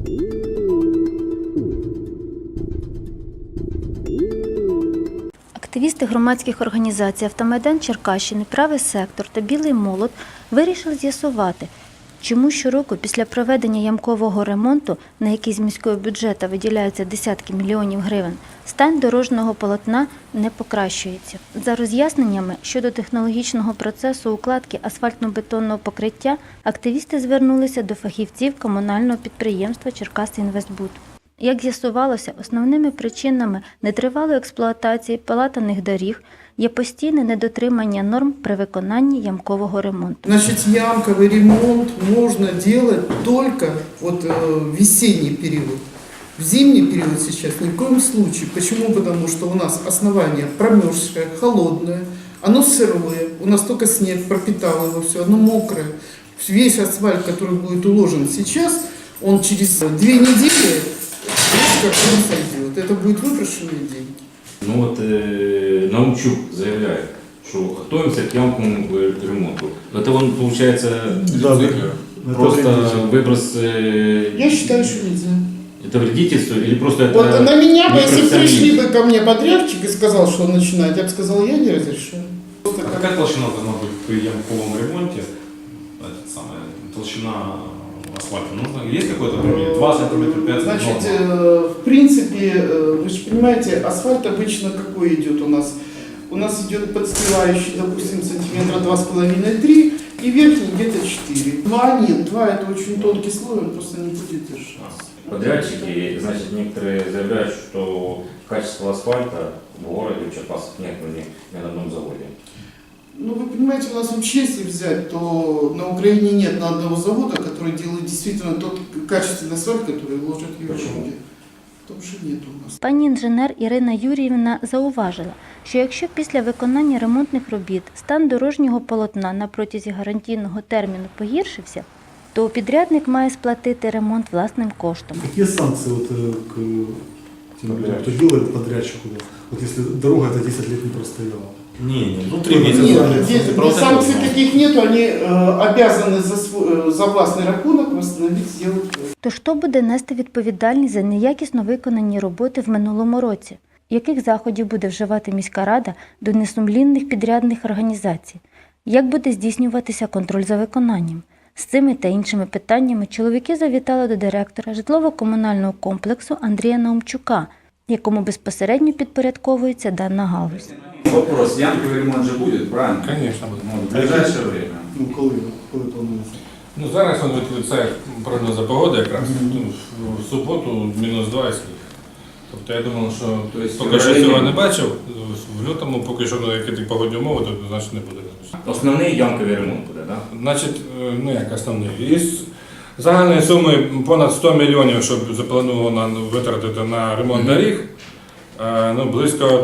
Активісти громадських організацій «Автомайдан Черкащини», «Правий сектор» та «Білий молот» вирішили з'ясувати, чому щороку після проведення ямкового ремонту, на який з міського бюджету виділяються десятки мільйонів гривень, стан дорожнього полотна не покращується. За роз'ясненнями щодо технологічного процесу укладки асфальтно-бетонного покриття, активісти звернулися до фахівців комунального підприємства «Черкасинвестбуд». Як з'ясувалося, основними причинами нетривалої експлуатації палатаних доріг є постійне недотримання норм при виконанні ямкового ремонту. Значит, ямковый ремонт можно делать только в весенний период. В зимний период сейчас ни в коем случае. Почему? Потому что у нас основание промерзшее, холодное, оно сырое, у нас только снег пропитал его все, оно мокрое. Весь асфальт, который будет уложен сейчас, он через 2 недели как он сойдет. Это будет выброшенные деньги. Ну вот Наумчук заявляет, что готовимся к ямковому ремонту. Это он, получается, просто выброс... Я считаю, что нельзя. Это вредительство или просто это... Вот на меня бы, если пришли бы ко мне подрядчик и сказал, что он начинает, я бы сказал, я не разрешаю. А какая толщина должна быть при ямковом ремонте? Толщина асфальта нужно? Есть какой-то пример? 2 сантиметра, 5 сантиметров? Значит, в принципе, вы же понимаете, асфальт обычно какой идет у нас? У нас идет подстилающий, допустим, сантиметра 2,5-3 и верхний где-то 4. 2 нет, 2 это очень тонкий слой, он просто не будет держаться. Подрядчики, значит, некоторые заявляют, что качество асфальта в городе в Черкасах нет ни на одном заводе. Ну, вы понимаете, у нас вообще, если взять, то на Украине нет ни одного завода, который делает действительно тот качественный асфальт, который вложат в Европе. Потому что нет у нас. Пані інженер Ірина Юріївна зауважила, що якщо після виконання ремонтних робіт стан дорожнього полотна на протязі гарантійного терміну погіршився, то підрядник має сплатити ремонт власним коштом. Какие санкции к тем людям, кто делает подрядчику, если дорога это 10 лет не простояла? Не, 3 месяца. Нет, санкций таких нету, они обязаны за властный рахунок восстановить, сделать. Тож хто буде нести відповідальність за неякісно виконані роботи в минулому році? Яких заходів буде вживати міська рада до несумлінних підрядних організацій? Як буде здійснюватися контроль за виконанням? З цими та іншими питаннями чоловіки завітали до директора житлово-комунального комплексу Андрія Наумчука, якому безпосередньо підпорядковується дана галузь. Вопрос, ямковый ремонт же будет, правильно? Конечно, будет. В ближайшее время. Ну, коли планується? Ну, зараз це прогноза погоди якраз. В суботу -2 і сніг. Тобто я думав, що поки що цього не бачив, в лютому поки що які погодні умови, то значить не буде. Основний ямковий ремонт буде, так? Значить, ну як основний. Із загальної суми понад 100 мільйонів, щоб заплановано витратити на ремонт доріг, ну, близько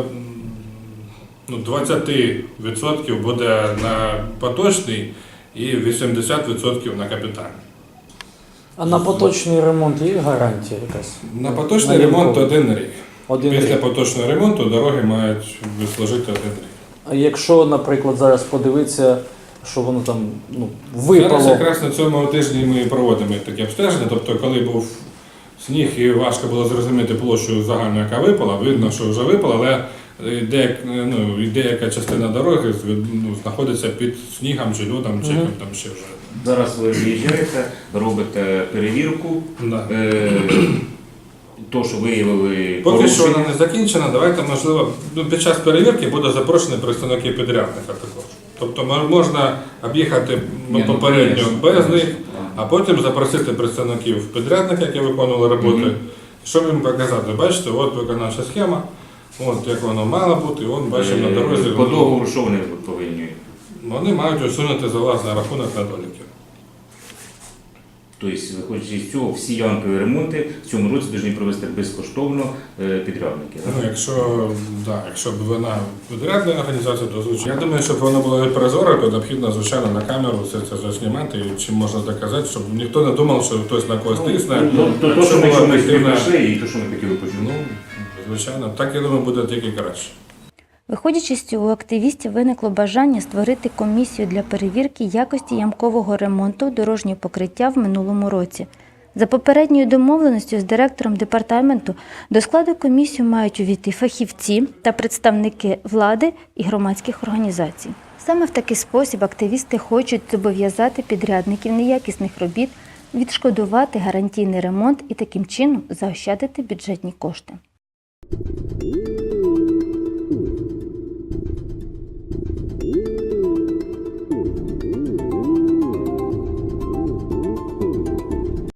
20% буде на поточний і 80% на капітальний. А на поточний ремонт є гарантія якась? На поточний ремонт 1 рік. Один Після рік. поточного ремонту дороги мають служити 1 рік. А якщо, наприклад, зараз подивитися, що воно там випало? Зараз якраз на цьому тижні ми проводимо таке обстеження, тобто коли був сніг і важко було зрозуміти площу загальну, яка випала, видно, що вже випала, але деяка частина дороги знаходиться під снігом чи льодом, чи там ще вже. Зараз ви виїжджаєте, робите перевірку, Да. то, що виявили Поки що порушення. вона не закінчена, давайте, можливо, під час перевірки буде запрошені представники підрядника також. Тобто можна об'їхати попередньо без них, а потім запросити представників підрядника, які виконували роботи, щоб їм показати, бачите, от виконавча схема, от як воно мало бути, от бачимо на дорозі. По договору, що вони повинні? Вони мають усунути за власний рахунок недоліки. Тобто, виходячи з цього, всі ямкові ремонти в цьому році повинні провести безкоштовно підрядники. Ну, якщо б вона підрядна організація, то звичайно. Я думаю, щоб воно було прозоро, то необхідно, звичайно, на камеру все це заснімати, і чим можна доказати, щоб ніхто не думав, що хтось на когось тисне. То, що ми прийшли, і то, що ми хотіли почути. Ну, звичайно, так, я думаю, буде тільки краще. Виходячи з цього, у активістів виникло бажання створити комісію для перевірки якості ямкового ремонту дорожнього покриття в минулому році. За попередньою домовленістю з директором департаменту до складу комісії мають увійти фахівці та представники влади і громадських організацій. Саме в такий спосіб активісти хочуть зобов'язати підрядників неякісних робіт відшкодувати гарантійний ремонт і таким чином заощадити бюджетні кошти.